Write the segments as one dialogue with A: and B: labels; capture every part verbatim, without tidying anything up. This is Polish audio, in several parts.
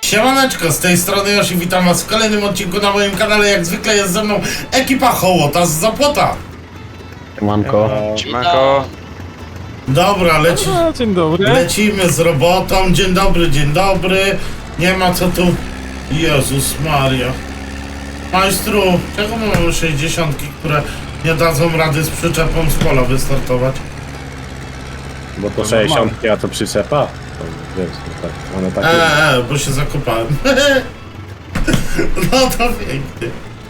A: Siemaneczko, z tej strony Yoshi, witam was w kolejnym odcinku na moim kanale. Jak zwykle jest ze mną ekipa Hołota z Zapłota.
B: Siemanko.
C: Siemanko.
A: Dobra, leci,
D: A, dzień dobry.
A: lecimy z robotą. Dzień dobry, dzień dobry. Nie ma co tu... Jezus Maria. Majstru, czego my mamy sześćdziesiątki, które nie dadzą rady z przyczepą z pola wystartować?
B: Bo to sześćdziesiąt, a to przyczepa? To wiesz, to tak, one takie...
A: Eee, bo się zakopałem. No to pięknie.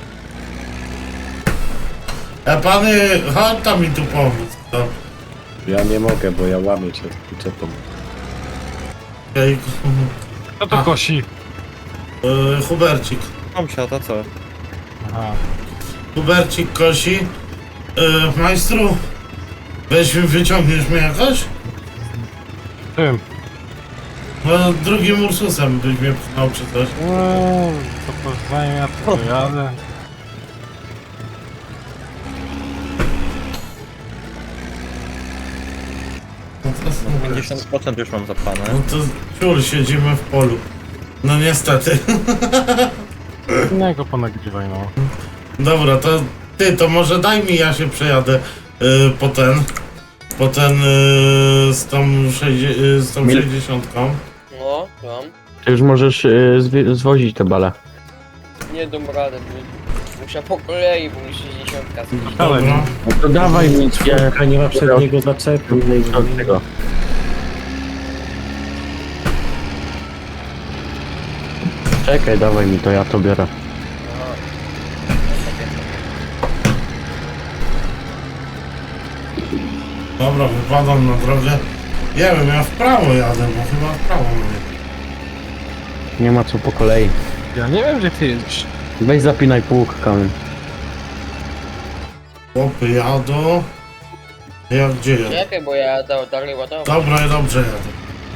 A: E, pany, chodź tam mi tu pomóc. To.
B: Ja nie mogę, bo ja łamię się z przyczepą.
A: Ej,
D: Kto to kosi?
A: e, Hubercik.
C: Tomsia, to co?
D: Aha.
A: Hubercik kosi. E, majstru, weź mi, wyciągniesz mnie jakoś?
D: Tym.
A: No, drugim Ursusem byś mnie pchnął czy coś.
D: Eee, co to zajmie, to jadę.
A: No to super.
C: pięćdziesiąt procent już mam zapane.
A: No to ciul, siedzimy w polu. No niestety.
D: Innego ponagrywaj, no.
A: Dobra, to ty, to może daj mi, ja się przejadę y, po ten, po ten y, z tą, sześćdzie- y, z tą
B: Mil-
A: sześćdziesiątką.
E: No, mam.
F: Ty już możesz y, zwi- zwozić te bale.
E: Nie dam rady, bo muszę po kolei, bo mi sześćdziesiątka zbliży.
D: Ale
A: Dobra.
F: No to dawaj mi je
B: A nie ma przedniego zaczepu.
F: od tego. Czekaj, dawaj mi to, ja to biorę.
A: Dobra, wypadam na drogę. Nie wiem, ja w prawo jadę, bo chyba w prawo mówię.
F: Nie ma co po kolei.
D: ja nie wiem, gdzie ty jedziesz.
F: Weź zapinaj pług, kamień.
A: Chłopy jadą. Ja gdzie jadę?
E: Czekaj, bo ja da- dalej ładować.
A: Dobra, ja dobrze jadę.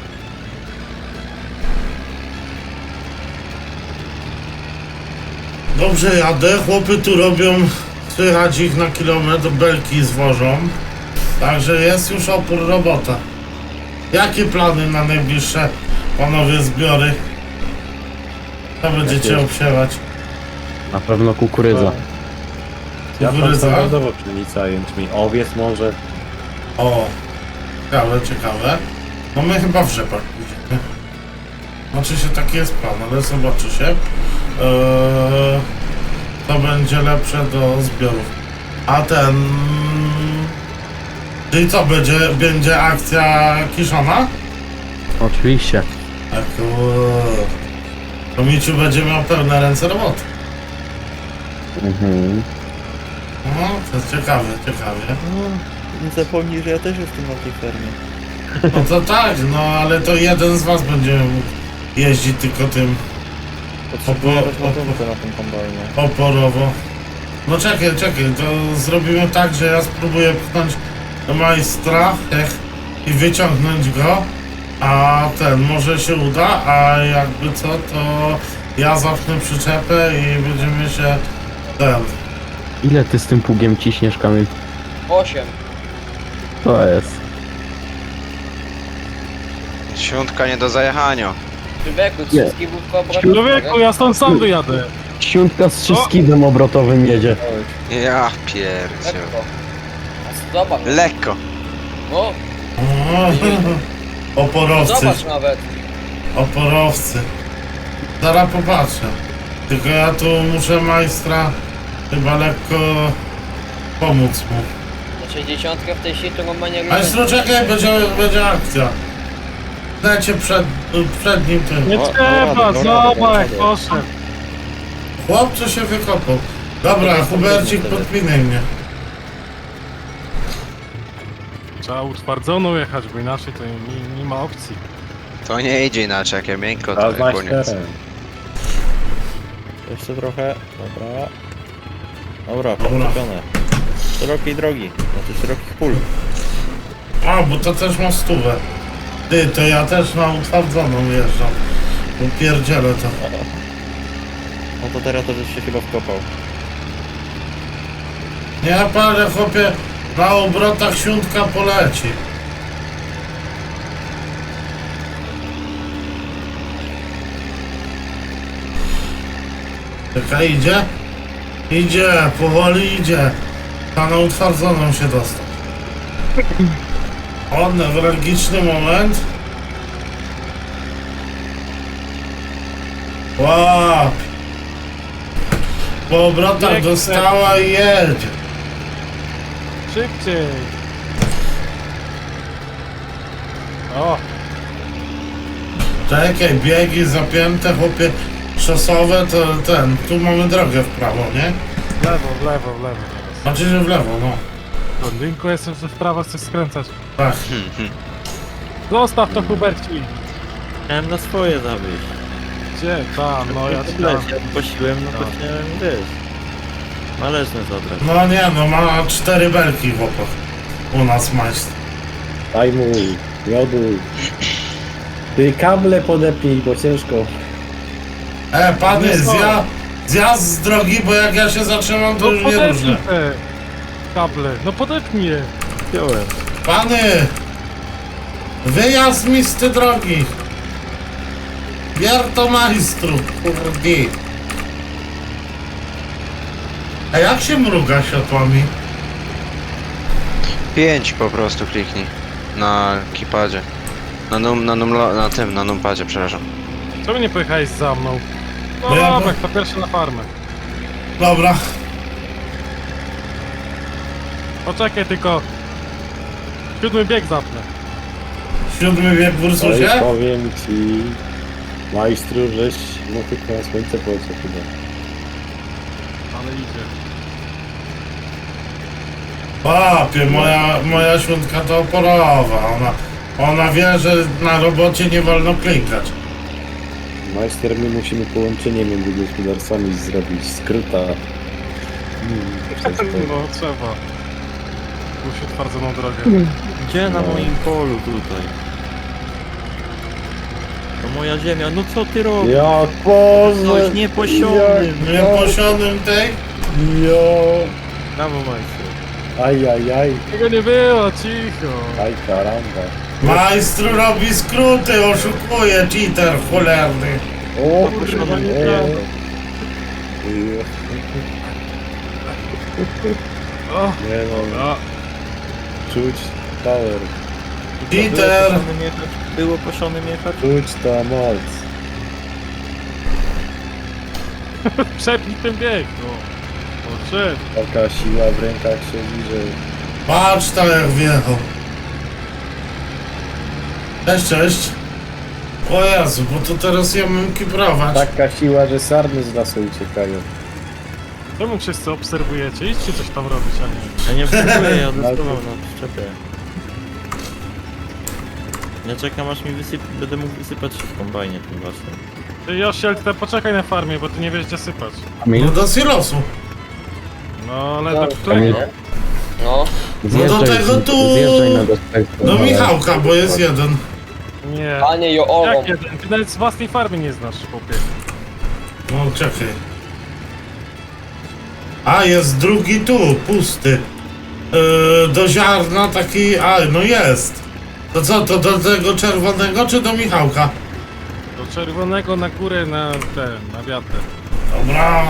A: Dobrze jadę, chłopy tu robią, słychać ich na kilometr, belki zwożą. Także jest już opór robota. Jakie plany na najbliższe, panowie, zbiory? Co będziecie
B: Jakie?
A: obsiewać?
F: Na pewno kukurydza.
B: Ja tam
A: Kukurydza?
B: standardowo pszenica, jęczmień, owiec może.
A: O, ciekawe, ciekawe. No my chyba w rzepach pójdziemy. Znaczy się taki jest plan, ale zobaczy się. Eee, to będzie lepsze do zbiorów. A ten... Czyli co, będzie, będzie akcja kiszona?
F: Oczywiście.
A: Tak, to Miciu będzie miał pełne ręce roboty.
F: Mhm.
A: No, to jest ciekawe, ciekawie.
C: Nie zapomnij, że ja też jestem na tej fermie.
A: No to tak, no ale to jeden z was będzie mógł jeździć tylko tym
C: Potrzebuję
A: Opo-
C: rozładunku na tym kombajnie.
A: oporowo. No czekaj, czekaj, to zrobimy tak, że ja spróbuję pchnąć do majstra ech, i wyciągnąć go, a ten może się uda, a jakby co, to ja zapnę przyczepę i będziemy się ten.
F: Ile ty z tym pługiem ciśniesz, kamień?
E: Osiem.
F: To jest.
G: Świątka nie do zajechania.
E: Człowieku,
F: Nie.
E: wszystkie wódko obrotów.
D: Człowieku, ja stąd sam wyjadę.
F: Siuntka z trzyskidem obrotowym jedzie.
G: Ja pierdziel.
E: Lekko. A zobacz.
G: Lekko.
E: No,
A: O, oporowcy,
E: zobacz nawet.
A: oporowcy. Zaraz popatrzę. Tylko ja tu muszę majstra chyba lekko pomóc mu.
E: Na sześćdziesiątkę w tej sieci to ma nie
A: Majstru, czekaj, będzie, będzie akcja. Dajcie przed, przed nim tym.
D: Nie
C: O,
D: trzeba,
C: dobra, dobra,
D: zobacz,
C: dobra.
D: poszedł.
A: Chłopcze się wykopał. Dobra, Hubercik, podpinaj mnie.
D: Trzeba utwardzoną jechać, bo inaczej to nie, nie ma opcji.
G: To nie idzie inaczej, jak ja miękko,
B: A
G: to
B: znasz
G: koniec.
B: teren.
C: Jeszcze trochę. Dobra. Dobra,
A: Dobra.
C: podkupione. Szerokiej drogi, znaczy szerokich pól.
A: A, bo to też ma stówę. Ty, to ja też na utwardzoną jeżdżam. Upierdzielę to.
C: No to teraz to żeś się chyba wkopał.
A: Nie palę, chłopie, na obrotach siuntka poleci. Czekaj, idzie? Idzie, powoli idzie. A na utwardzoną się dostał. O, newralgiczny moment. Łap! Po obrotach
D: Piękne.
A: dostała i jedzie.
D: Szybciej! O,
A: Czekaj, biegi zapięte, chłopie, szosowe, to ten, tu mamy drogę w prawo, nie?
D: w lewo, w lewo, w lewo.
A: Znaczy, że w lewo, no.
D: Blondynko, jestem, że w prawo chcesz skręcać.
A: Tak.
D: Zostaw to, Huberci!
C: Chciałem na swoje zawieźć.
D: Gdzie? Ta, no ja ci
C: Tyle,
D: dam.
C: ja prosiłem, no to chciałem, wiesz. Należne zabrać.
A: No nie, no ma cztery belki chłopak. U nas majstr.
B: Daj mu, miodu. Ty kable podepnij, bo ciężko.
A: E, pany,
D: Nie są.
A: zja, zjazd z drogi, bo jak ja się zatrzymam, to
D: No
A: już nie
D: podepnij
A: różne.
D: te kable, no podepnij je.
C: Wziąłem.
A: Pany! Wyjazd mi z tej drogi! Wierto majstru, kurdi! A jak się mruga światłami?
G: Pięć po prostu kliknij. Na keypadzie. Na num, na num, na tym, na numpadzie, przepraszam.
D: Czemu nie pojechałeś za mną? No
A: Bo ja-
D: dobra, to pierwszy na farmę.
A: Dobra,
D: Poczekaj tylko. Siódmy bieg zapnę.
A: siódmy wiek w
B: Oj,
A: Ursusie?
B: powiem ci, majstru, żeś no tylko na słońce poleciał chyba.
D: Ale idzie.
A: Papie, moja, moja świątka to oporowa. Ona, ona wie, że na robocie nie wolno klikać.
B: Majster, my musimy połączenie między gospodarstwami zrobić, skróta. Hmm, przez to.
D: No trzeba. Musi utwardzoną drogę.
C: Gdzie na
B: No.
C: moim polu tutaj? To moja ziemia, no co ty robisz?
B: Jak Boże!
C: Coś nieposionym.
A: Nieposionym tej?
B: Jo!
C: Brawo, majstru.
B: Aj, aj, aj,
D: Tego nie było, cicho.
B: aj karamba.
A: Majstru robi skróty, oszukuje, cheater cholerny.
B: O,
C: Poszło nie
B: e,
C: prawo.
B: Jo.
D: O,
B: Nie no,
D: a,
B: czuć power,
A: Peter!
C: Było poszonym jechać? Było poszonym jechać?
B: czuć ta moc.
D: przepnij ten bieg, no. O, szedł.
B: Taka siła w rękach się bliżej.
A: Patrz tam jak wjechał. Cześć, cześć. O Jezu, bo to teraz ja mam kiprować.
B: Taka siła, że sarny z lasu uciekają.
D: Czemu wszyscy obserwujecie? Idźcie coś tam robić, a nie.
C: Ja nie obserwuję, ja dostawał na przyczepę. Ja czekam aż mi wysyp... będę mógł wysypać w kombajnie tym waszym.
D: Ty Josiel, ty poczekaj na farmie, bo ty nie wiesz gdzie sypać.
A: No
F: Kamil,
A: do silosu.
D: No ale do
F: Kamil,
D: którego?
E: No,
F: zjeżdżaj,
A: tego tu-
F: zjeżdżaj na gospodarstwo.
A: Do Michałka, bo jest jeden.
D: Nie.
E: panie Joową.
D: Jak jeden? Ty nawet z własnej farmy nie znasz, chłopie.
A: No czekaj. A, jest drugi tu, pusty. Yy, do ziarna taki, a no jest. To co, to do tego czerwonego czy do Michałka?
D: Do czerwonego na górę na ten, na wiatr.
A: Dobra.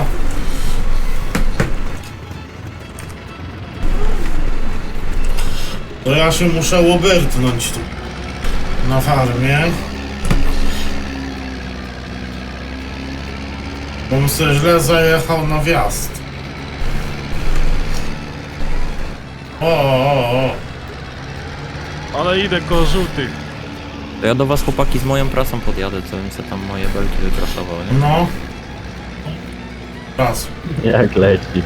A: To ja się muszę łobyrtnąć tu. Na farmie. Bym sobie źle zajechał na wjazd. O, o, o.
D: Ale idę koło żółtych.
C: To ja do was chłopaki z moją prasą podjadę, co bym se tam moje belki wyprasował, nie?
A: No. Raz.
F: Jak leci.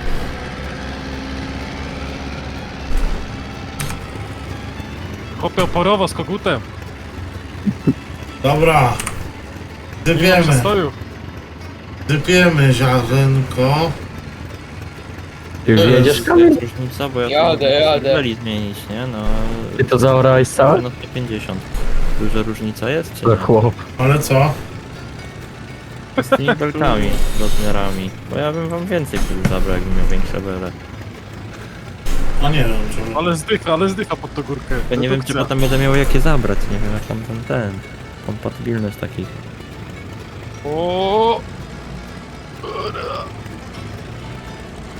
D: Chłopie oporowo z kogutem.
A: Dobra.
D: Nie ma
A: Dypiemy.
D: przestoju.
A: Dypiemy ziarenko.
F: Ty już jedziesz,
C: To
F: Kamil?
C: jest różnica, bo ja
E: Jadę,
C: tu muszę
E: jadę.
C: beli zmienić, nie? No...
F: Ty to zaorałeś całe?
C: No sto pięćdziesiąt. Duża różnica jest, czy
F: To
C: nie?
F: chłop.
A: Ale co?
C: Z tymi belkami, rozmiarami. Bo ja bym wam więcej pól zabrał, jakbym miał większe bele.
A: A nie wiem czemu.
D: Ale zdycha, ale zdycha pod tą górkę.
C: Ja nie wiem, czy
D: Redukcja.
C: potem będę miał jakie zabrać, nie wiem, jak tam ten, ten. Kompatybilność takich.
D: O.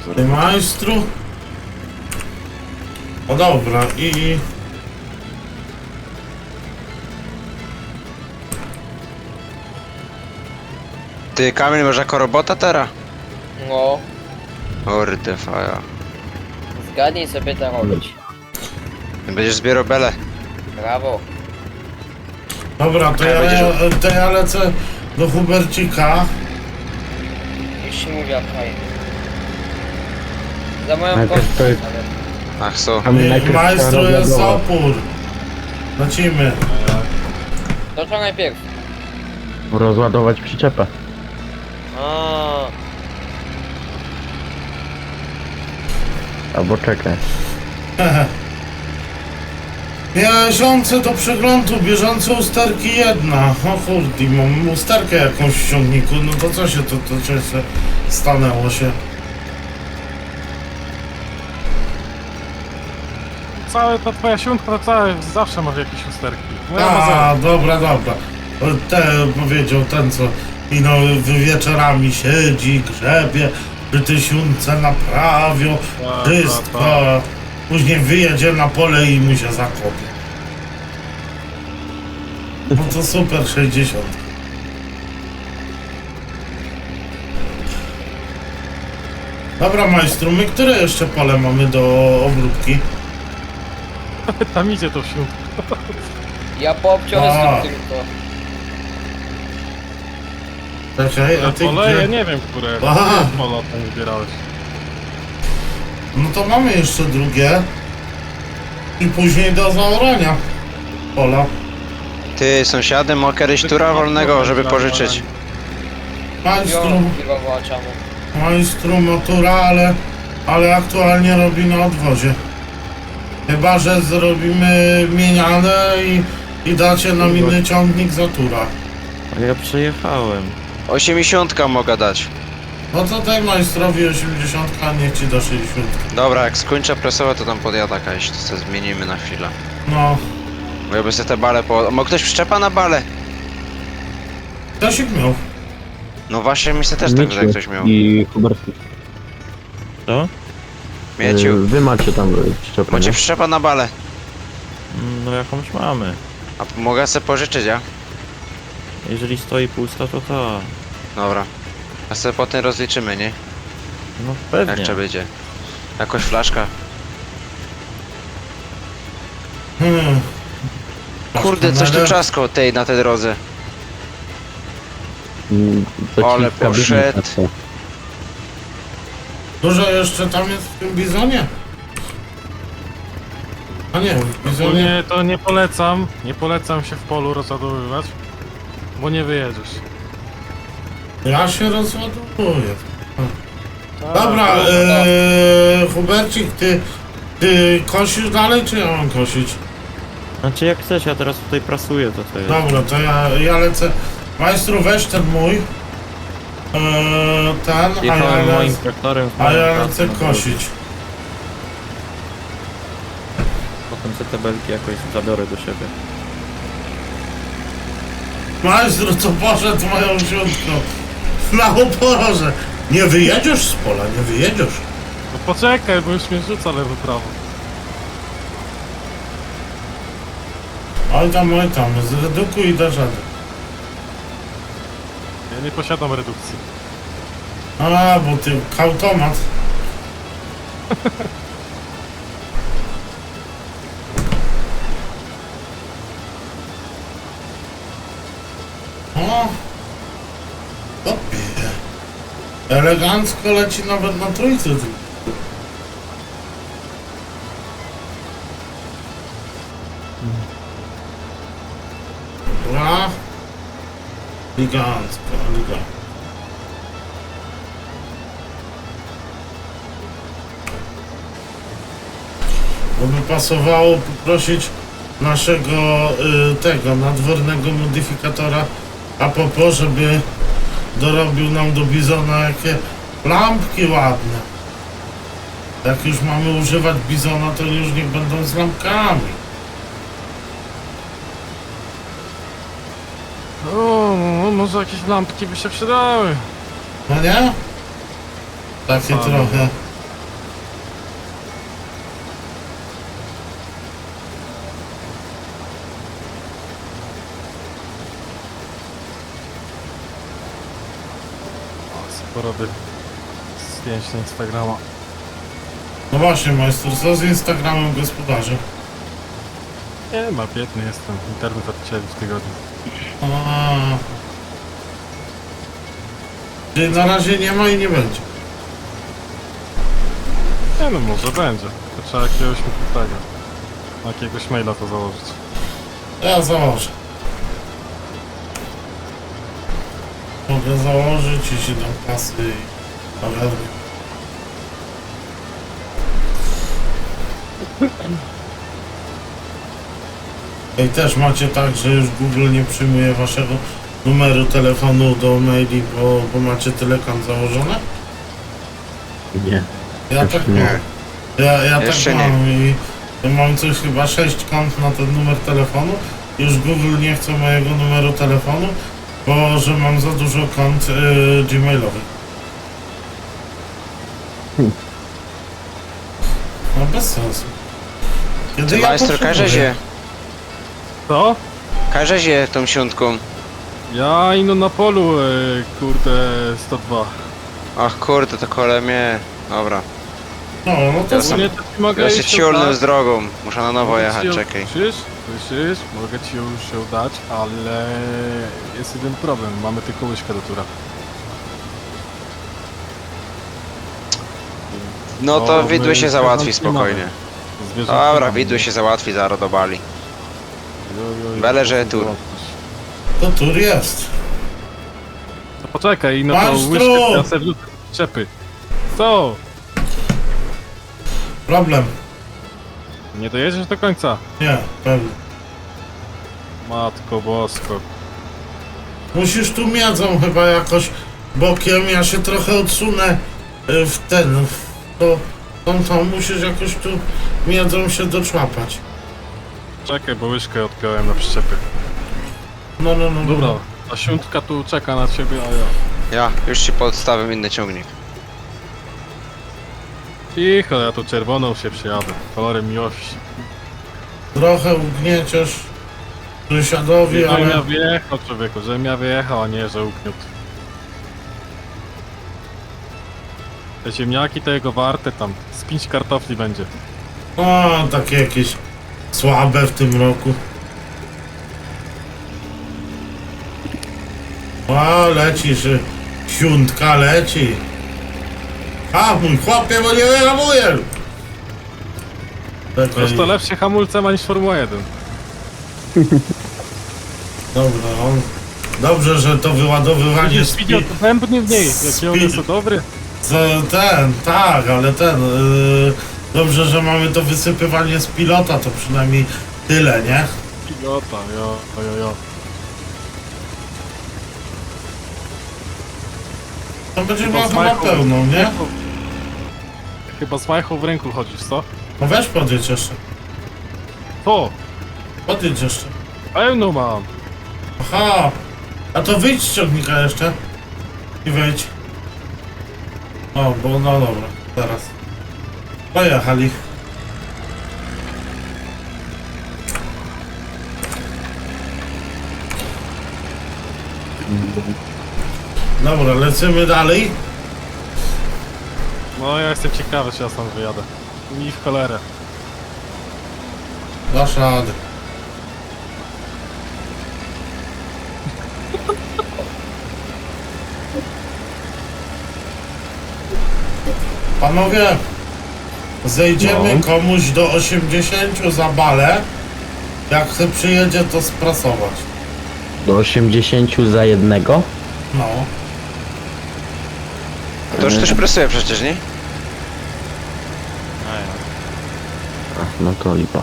A: Ty majstru? O dobra, i...
G: Ty, Kamil, masz jako robota teraz?
E: No,
G: Kurde, faja.
E: zgadnij sobie to robić.
G: Będziesz zbierał bele.
E: Brawo.
A: Dobra, to
G: Ja
A: ja,
G: będziesz-
A: to ja lecę do Hubercika.
E: Już się mówi okej. Za moją
F: Najpierw
E: kość
F: to jest-
E: nawet.
G: Ach co?
F: A my
A: I
F: najpierw
A: majstru
F: trzeba
A: jest
F: rozładować.
A: opór. Lecimy.
E: To co najpierw?
F: Rozładować przyczepę.
E: A,
F: Albo czekaj.
A: Miesiące do przeglądu, bieżące usterki jedna. O kurde, mam usterkę jakąś w ciągniku, no to co się to, to co się stanęło się?
D: Całe ta twoja siuntka to całe zawsze ma jakieś usterki. Moja ma zero.
A: A, dobra, dobra. Ten powiedział, ten co ino wieczorami siedzi, grzebie, przy tysiące naprawią,
D: Tak,
A: wszystko.
D: tak,
A: Później wyjedzie na pole i mu się zakopie. No to super, sześćdziesiąt. Dobra, majstru, my które jeszcze pole mamy do obróbki?
D: tak. Tam idzie to siuntka.
E: ja poobciąłem
A: A.
E: tylko.
A: Czekaj, a
D: Na
A: ty
D: pole? Ja
A: gdzie?
D: nie wiem, które
A: Aha.
D: pola tam wybierałeś.
A: No to mamy jeszcze drugie. I później do zaorania pola.
G: Ty, sąsiady, ma kiedyś tura wolnego, żeby pożyczyć.
A: Majstru,
E: Ją piwowo czemu.
A: majstru motura, ale, ale aktualnie robi na odwozie. Chyba, że zrobimy mieniane i, i dacie nam inny ciągnik za tura.
C: A ja przejechałem.
G: osiemdziesiątka mogę dać.
A: No to daj majstrowi osiemdziesiąt, a niech ci da sześćdziesiąt.
G: Dobra, jak skończę presować, to tam podjada jakaś, to sobie zmienimy na chwilę.
A: No,
G: Bo ja by sobie te bale po... Ma ktoś przyczepa na bale?
A: Tosik miał.
G: No właśnie, mi się też tak, że ktoś miał.
F: I Hubert.
C: Co?
G: Mieciu,
F: y, Wy macie tam y, przyczepę,
G: macie
F: nie?
G: przyczepa na bale.
C: Mm, No jakąś mamy.
G: A mogę sobie pożyczyć, ja?
C: Jeżeli stoi pusta, to ta.
G: Dobra. A sobie potem rozliczymy, nie?
C: No
G: Jak
C: pewnie.
G: trzeba będzie. Jakoś flaszka.
A: Hmm.
G: Kurde, coś tu
A: Ale-
G: czasko tej na tej drodze.
F: Mm, to ci
G: Ale
F: w kabinie
G: poszedł.
F: patrzę.
A: Dużo jeszcze tam jest w tym bizonie? A nie, w bizonie.
D: Ogólnie to nie polecam, nie polecam się w polu rozładowywać, bo nie wyjedziesz.
A: Ja się rozładowuję.
D: Tak,
A: Dobra,
D: tak.
A: ee, Hubercik, ty, ty kosisz dalej, czy ja mam kosić?
C: Znaczy jak chcesz, ja teraz tutaj prasuję, to to jest.
A: Dobra, to ja, ja lecę. Majstru, weź ten mój. Eee, ten, a ja,
C: Jechałem moim
A: lec,
C: traktorem. z
A: a
C: moim
A: ja
C: pracą
A: lecę
C: na drodze.
A: kosić.
C: Potem te tabelki jakoś zabiorę do siebie.
A: Majstru, co poszedł moją siódmką? Na oporze. Nie wyjedziesz z pola, nie wyjedziesz.
D: No poczekaj, bo już mnie rzuca lewo prawo.
A: Oj tam, oj tam, zredukuj i dasz radę.
D: Ja nie posiadam redukcji.
A: A, bo ty automat. O! Opie. Elegancko leci nawet na trójce. ty. Dobra. Elegancko, elegancko. Bo by pasowało poprosić naszego y, tego nadwornego modyfikatora Apopo, żeby dorobił nam do bizona jakie lampki ładne. Jak już mamy używać bizona, to już niech będą z lampkami.
D: O, no, może jakieś lampki by się przydały.
A: No nie? Takie
D: Fajne.
A: trochę.
D: porobię zdjęć na Instagrama.
A: No właśnie, majster, co z Instagramem gospodarzy?
D: Nie ma, biedny jestem. Internet odcięli w tygodniu.
A: A. Czyli na razie nie ma i nie będzie.
D: Nie no, może będzie. To trzeba jakiegoś tego. Jakiegoś maila to założyć.
A: Ja założę. Mogę założyć i się dam kasy i powiadam. I też macie tak, że już Google nie przyjmuje waszego numeru telefonu do maili, bo, bo macie tyle kont założone?
F: Nie.
A: Ja
F: Jeszcze
A: tak
F: nie.
A: mam. Ja, ja
G: Jeszcze
A: tak
G: nie.
A: mam i ja mam coś chyba sześć kont na ten numer telefonu. Już Google nie chce mojego numeru telefonu, bo że mam za dużo kont y, gmailowych.
F: Hmm.
A: No bez sensu. Kiedy
G: Ty
A: ja
G: majster,
A: potrzebuję?
G: każe się,
D: Co?
G: każe się tą siątką.
D: Ja ino na polu, e, kurde, sto dwa.
G: Ach kurde, to kole mnie. Dobra.
A: No, no to
G: Ja
A: sam.
D: Nie, to ci mogę
G: Ja się
D: iść
G: ciulnę
D: oddać.
G: z drogą. Muszę na nowo
D: Mogę
G: jechać,
D: ci ją-
G: czekaj.
D: Słyszysz? Słyszysz? Mogę ci ją już ją dać, ale jest jeden problem. Mamy tylko łyżkę do tura.
G: No to
D: O,
G: widły
D: my
G: się
D: z
G: załatwi
D: zwierząt nie mamy.
G: spokojnie.
D: Zwierząt
G: Dobra,
D: nie mamy.
G: widły się załatwi, zaraz do bali.
D: Jo, jo, jo,
G: Byle, że
D: to
G: tur.
D: załatwisz.
A: To tur jest.
D: To poczekaj, no to
A: Maestro!
D: łyżkę ja sobie wrzucę w czepy. Co?
A: Problem.
D: Nie dojedziesz do końca?
A: Nie, pewnie.
D: Matko bosko.
A: Musisz tu miedzą chyba jakoś bokiem, ja się trochę odsunę y, w ten, w to, tą, tą, musisz jakoś tu miedzą się doczłapać.
D: Czekaj, bo łyżkę odpiąłem na przyczepy.
A: No, no, no.
D: Dobra, ta siuntka tu czeka na ciebie, a ja...
G: Ja, już ci podstawię inny ciągnik.
D: Cicho, ja tu czerwoną się przyjadę. Kolorem miłości.
A: Trochę ugnieciesz sąsiadowi,
D: Żebym ja
A: ale
D: wyjechał, człowieku, żebym ja wyjechał, a nie, że ukniótł. Te ziemniaki to jego warte tam. Z pięć kartofli będzie.
A: o, takie jakieś słabe w tym roku. O, lecisz, y, siuntka leci. A, mój chłopie, bo nie wyhamuję.
D: Wiesz, to lepsze hamulce ma niż Formuła jeden.
A: Dobra, on... Dobrze, że to wyładowywanie
D: Widzisz,
A: z
D: widział
A: pi-
D: to bębny w niej, jakie one
A: Speed-
D: są dobre.
A: z- ten, tak, ale ten... Yy, dobrze, że mamy to wysypywanie z pilota, to przynajmniej tyle, nie?
D: Pilota, jo, jo, jo.
A: To będzie
D: Chyba
A: miał
D: z
A: chyba
D: Majką-
A: pełną, nie?
D: Chyba z majchą w ręku chodzisz, co?
A: No weź podjedź jeszcze.
D: To,
A: Podjedź jeszcze.
D: pełną mam.
A: Aha! A to wyjdź z ciągnika jeszcze. I wejdź. O, bo no dobra, teraz. Pojechali. Dobra, lecimy dalej.
D: No ja jestem ciekawy, czy ja stąd wyjadę. Mi w cholerę.
A: Dasz radę. Panowie, zejdziemy
F: No.
A: komuś do osiemdziesięciu za balę. Jak chce przyjedzie, to sprasować.
F: Do osiemdziesięciu za jednego?
A: No.
G: To już też presuje przecież, nie?
C: A ja.
F: Ach, no to lipa.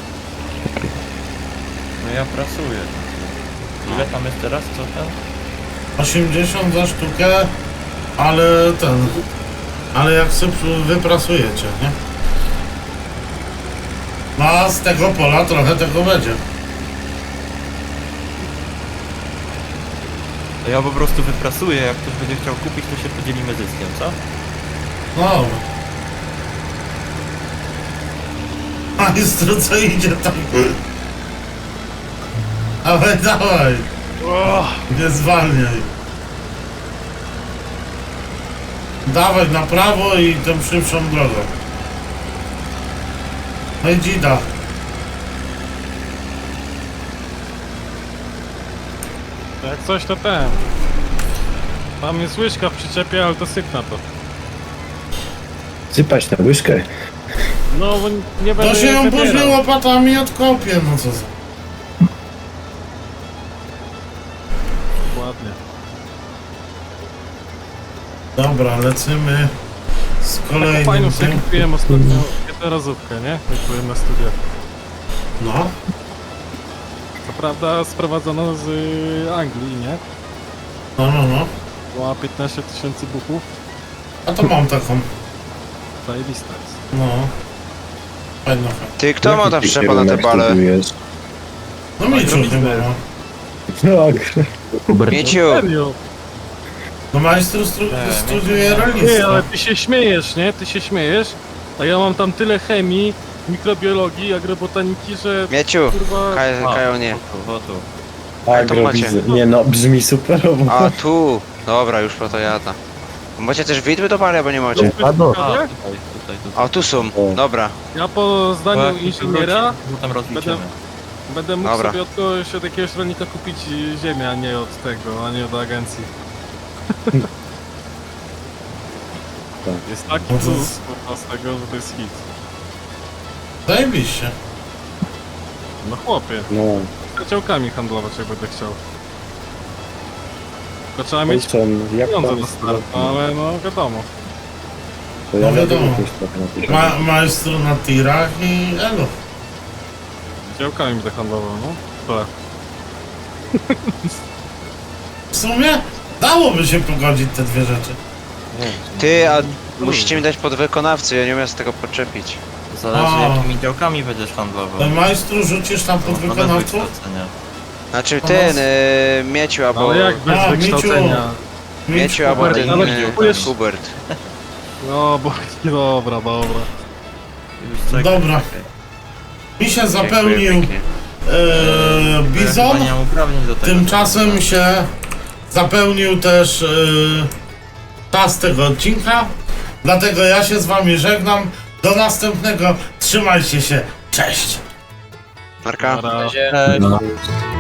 C: No ja prasuję. Ile tam jest teraz? Co tam?
A: osiemdziesiąt za sztukę, ale ten... Ale jak sobie wyprasujecie, nie? No a z tego pola trochę tego będzie.
C: To ja po prostu wyprasuję, jak ktoś będzie chciał kupić, to się podzielimy zyskiem, co?
A: No. Majstru, co idzie tam? Dawaj, dawaj.
D: O,
A: Nie zwalniaj. Dawaj na prawo i tą szybszą drogą. No i dzida.
D: Jak coś to ten. Tam jest łyżka w przyczepie, ale to syp na to.
B: Sypać na łyżkę.
D: No bo nie będę
A: To się ją
D: wybierał.
A: później łopatami odkopię, no co za...
D: Ładnie.
A: Dobra, lecimy z
D: Taką
A: kolejnym
D: fajną sobie
A: tym.
D: kupiłem ostatnio jednorazówkę, nie? Jak byłem na studiach.
A: No,
D: Co prawda sprowadzono z y, Anglii, nie?
A: no, no, no.
D: Była piętnaście tysięcy buchów.
A: A to mam taką.
D: Zajebista jest.
A: No. Fajna, fajna.
G: Ty, kto ma tam wszczepa na te bale?
A: No Mieciu chyba ma.
B: Tak.
F: Hubert,
G: Mieciu!
D: Serio?
A: No majstru stru-
C: Nie,
A: studiuje
D: Nie,
A: rolnictwo.
D: ale ty się śmiejesz, nie? Ty się śmiejesz. A ja mam tam tyle chemii, mikrobiologii, agrobotaniki, że
G: Mieciu!
D: kurwa...
G: Kaj, Kajo nie.
C: O tu.
G: to macie.
B: Agrowiz... Nie no, brzmi superowo.
G: A tu! Dobra, już po to jada. Macie też widły do bali, albo nie macie?
F: A no,
C: A, tutaj, tutaj, tutaj.
G: A tu są, dobra.
D: Ja po zdaniu
C: Bo jak
D: inżyniera
C: wróci, to tam rozliczymy.
D: będę mógł
G: Dobra.
D: sobie od kogoś, od jakiegoś rolnika kupić ziemię, a nie od tego, a nie od agencji. Jest taki
A: No to
D: plus
A: jest-
D: kurwa z tego, że to jest hit.
A: Zajebiście.
D: No chłopie,
B: No,
D: z działkami handlować jak będę chciał. Tylko trzeba mieć
B: Olsen, jak
D: pieniądze
B: tam
D: na start, ale no wiadomo.
B: To ja
A: No wiadomo.
B: nawet też trochę na tym.
A: Ma, majstru na tirach i elo.
D: Działkami będę handlował, no. Tak.
A: W sumie dałoby się pogodzić te dwie rzeczy.
G: Ty, a musicie mi dać podwykonawcy, ja nie umiem z tego podczepić.
C: Zależy
A: A.
C: jakimi działkami będziesz handlował.
A: To majstru rzucisz tam pod
C: No, bez
A: wykonawców?
C: wykształcenia.
G: Znaczy ten, y, Mieciu albo...
D: Ale jak bez
A: A,
D: wykształcenia?
G: Mieciu albo
A: Hubert,
G: ten,
D: ale
G: y,
D: kupujesz-
G: Hubert.
D: No bo dobra, dobra.
C: Już czekaj,
A: Dobra.
C: czekaj.
A: Mi się
G: Dziękuję
A: zapełnił
G: pięknie.
A: e,
C: Ja
A: bizon.
C: chyba nie mam uprawnień do tego.
A: Tymczasem się zapełnił też yy, czas tego odcinka. Dlatego ja się z wami żegnam. Do następnego. Trzymajcie się. Cześć.
G: Marka?
D: Dobra.
E: Na razie.
C: Cześć.
F: no.